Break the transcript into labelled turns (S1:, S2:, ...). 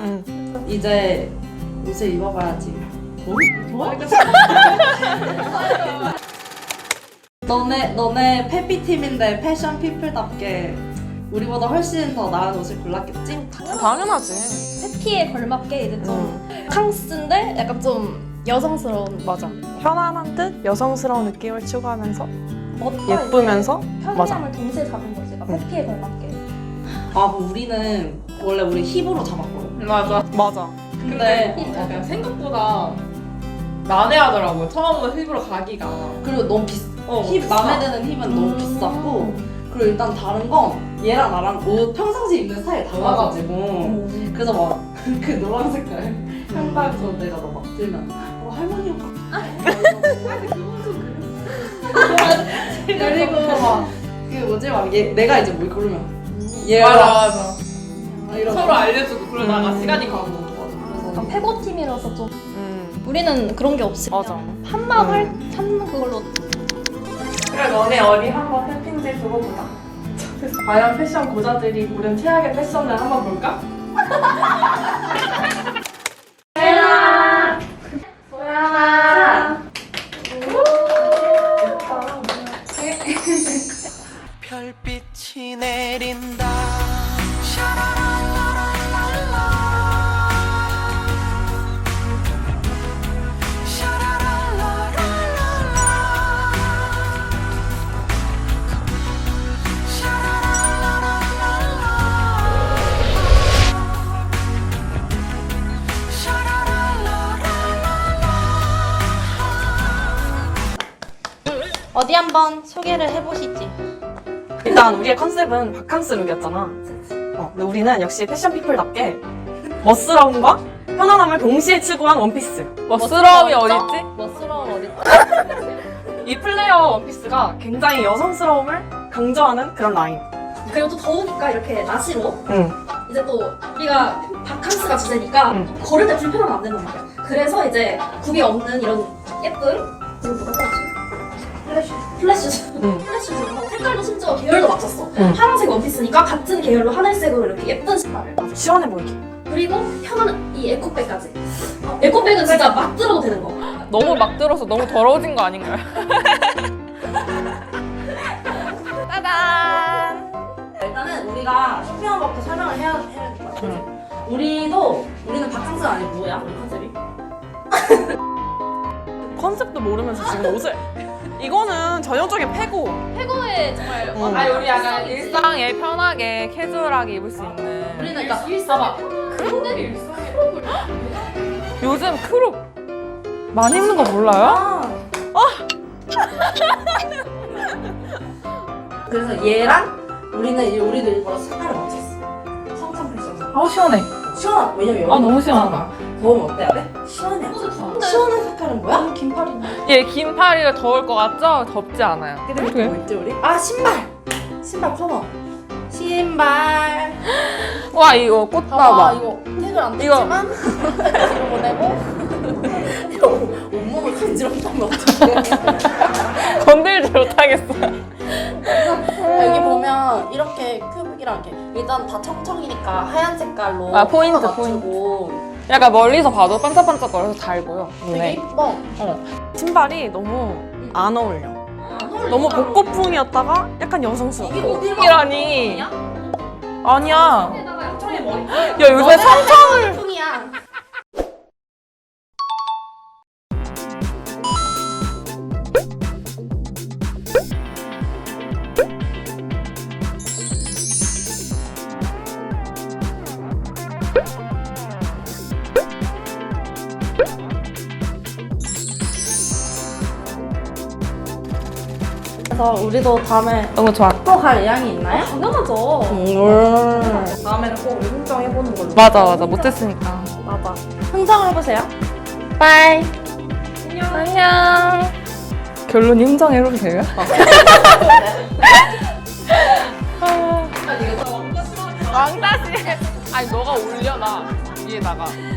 S1: 이제 옷을 입어봐야지. 뭐? 너네 페피팀인데 패션 피플답게 우리보다 훨씬 더 나은 옷을 골랐겠지?
S2: 당연하지.
S3: 페피에 걸맞게 이제 좀 캉스인데 약간 좀 여성스러운
S2: 맞아. 편안한 듯 여성스러운 느낌을 추구하면서
S3: 멋과
S2: 예쁘면서
S3: 편리함을 동시에 잡은 거지. 그러니까 페피에 걸맞게.
S1: 아, 뭐 우리는 원래 우리 힙으로 잡았거든.
S4: 맞아.
S2: 맞아.
S1: 근데
S4: 약간 생각보다 난해하더라고요. 처음부터 힙으로 가기가.
S1: 그리고 너무 힙 마음에 드는 힙은 너무 비쌌고, 그리고 일단 다른 건 얘랑 나랑 옷 평상시 입는 스타일이 달라가지고 그래서 막 그 노란 색깔 handbag도 내가 막 들면 할머니 옷 같아. 그리고 막 그 뭐지 막 내가 이제 뭘 고르면 얘가
S4: 맞아.
S1: 이러고.
S4: 서로 알려주고 그러다가 시간이 가고.
S3: 약간 패고팀이라서 좀 우리는 그런 게 없이
S2: 맞아.
S3: 그냥 한마음을 찾는 그걸로.
S4: 그래 너네 어디 한번 팬핑지 두고 보자. 과연 패션 고자들이 고른 최악의 패션을 한번 볼까? 소연아! 소연아!
S5: 별빛이 내린다.
S3: 어디 한번 소개를 해보시지.
S2: 일단 우리의 컨셉은 바캉스 룩이었잖아. 근데 우리는 역시 패션 피플답게 멋스러움과 편안함을 동시에 추구한 원피스.
S4: 멋스러움이 어딨지?
S3: 멋스러움 어딨지?
S2: 이 플레어 원피스가 굉장히 여성스러움을 강조하는 그런 라인.
S3: 그리고 또 더우니까 이렇게 나시로
S2: 응.
S3: 이제 또 우리가 바캉스가 주제니까 걸을 때 불편하면 안 된단 말이야. 그래서 이제 굽이 없는 이런 예쁜 이거 뭐라고 하지? 플래시즈. 플래시즈. 색깔도 심지어 계열도 맞췄어. 파란색 원피스니까 같은 계열로 하늘색으로 이렇게 예쁜 신발을.
S2: 시원해 보이게.
S3: 그리고 편한 이 에코백까지. 에코백은 진짜 막 들어도 되는 거.
S4: 너무 막 들어서 너무 더러워진 거 아닌가요?
S3: 짜잔.
S1: 일단은 우리가 쇼핑한 것부터 설명을 해야 될 것 같아. 우리는 바캉스가 아니고 뭐야? 우리 컨셉이?
S2: 컨셉도 모르면서 지금 옷을. 이거는 전형적인 패고.
S3: 페고에 정말
S4: 아니 우리 약간 일상에 편하게 캐주얼하게 입을 수 있는.
S1: 우리는 일단
S4: 봐봐.
S3: 근데
S4: 일상에 요즘 크롭 많이 입는 거 몰라요?
S1: 그래서 얘랑 우리도 일부러 색깔을 맞췄어. 성탄 패션.
S4: 아우 시원해.
S1: 시원하다. 왜냐면 여기
S4: 너무 시원하다.
S1: 더우면 어때야 돼? 시원해. 시원한 색깔은 뭐야?
S3: 긴팔인데.
S4: 얘 긴 팔이가 더울 것 같죠? 덥지 않아요.
S1: 근데 뭐 입지 우리? 아, 신발 커버. 신발.
S4: 와 이거 꽃
S3: 봐봐
S4: 봐봐.
S3: 이거 태그를 안
S4: 이거.
S3: 뗐지만 뒤로 보내고
S1: 온몸을 간지럽다면 어떡해.
S4: 건들지 못하겠어.
S1: 여기 보면 이렇게 큐빅이랑 이렇게 일단 다 청청이니까 하얀 색깔로
S4: 아, 포인트,
S1: 맞추고
S4: 약간 멀리서 봐도 반짝반짝거려서 잘 보여.
S1: 되게
S4: 네.
S1: 이뻐.
S2: 신발이 너무 안 어울려. 너무 복고풍이었다가 약간 여성스러워.
S1: 이게 어디
S4: 이라니. 아니야.
S1: 청청이 머리.
S4: 야 요새 삼청을.
S1: 풍이야. 그래서 우리도 다음에
S4: 너무 좋아.
S1: 또 갈 의향이 있나요?
S3: 당연하죠.
S1: 다음에는 꼭 우리 흥정해보는 걸로.
S4: 맞아 못했으니까.
S1: 맞아. 흥정을 해보세요.
S4: 빠이. 안녕. 결론이 흥정해도 돼요? 왕따시. 아니 너가 올려 나 위에다가.